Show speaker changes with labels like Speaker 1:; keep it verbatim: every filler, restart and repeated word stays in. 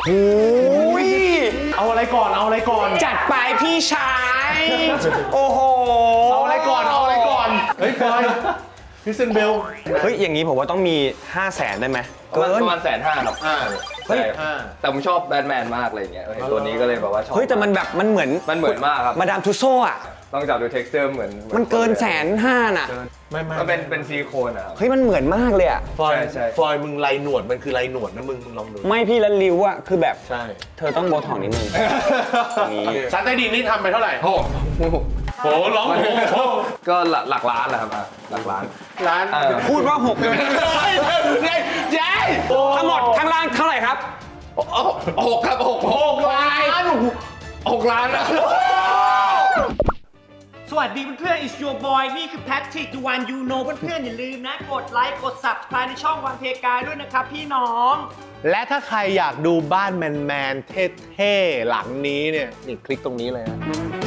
Speaker 1: อ้ยเอาอะไรก่อนเอาอะไรก่อน
Speaker 2: จัดไปพี่ชาย โอ้โห
Speaker 1: เอาอะไรก่อนเอาอะไรก่อนเฮ้ยพลอยคริสเตียนเบล
Speaker 2: เฮ้ยอย่างนี้ผมว่าต้องมีห้าแสนได้ไหมเกิน
Speaker 3: ประมาณแสนห้าครับ
Speaker 1: อ่า
Speaker 3: เฮ้ยแต่ผมชอบแบทแมนมากเลยอย่างเงี้ยตัวนี้ก็เลยแบบว่าชอบ
Speaker 2: เฮ้ยแต่มันแบบมันเหมือน
Speaker 3: มันเหมือนมากครับ
Speaker 2: มาดามทุโซ่อะ
Speaker 3: ต้องจับดู texture เหมือน
Speaker 2: มันเกินแสนห้าน่ะ
Speaker 1: ไม่ไม่
Speaker 3: มันเป็นเป็นซิลิโคนอะครับ
Speaker 2: เฮ้ยมันเหมือนมากเลยอะ
Speaker 1: ฟอย
Speaker 3: ใช่
Speaker 1: ฟอยมึงไรหนวดมันคือไรหนวดนะมึงมึงลองดู
Speaker 2: ไม่พี่แล้วริ้วอะคือแบบ
Speaker 1: ใช่
Speaker 2: เธอต้องโบท็อกนิดนึงอย่างนี้
Speaker 1: ชั้นใต้ดินนี่ทำไปเท่าไหร่
Speaker 3: โอ้โห
Speaker 1: โหร้องโห
Speaker 3: ก็หลักหลักล้านแหละครับอ่ะหลักล้าน
Speaker 1: ร้าน
Speaker 2: พูดว่าหกเลย
Speaker 1: เย้เย้
Speaker 2: ทั้งหมดข้างล่างเท่าไหร่ครับ
Speaker 3: หกครับหก
Speaker 1: หกล้าน
Speaker 3: หกล้านนะ
Speaker 4: สวัสดีเพื่อนๆ It's your boy นี่คือ Patrick the one you know เพื่อนๆ อย่าลืมนะ กดไลค์ กด Subscribe ในช่องวันเพกายด้วยนะครับพี่น้อง
Speaker 1: และถ้าใครอยากดูบ้านแมนๆเท่ๆหลังนี้เนี่ยนี่คลิกตรงนี้เลยนะ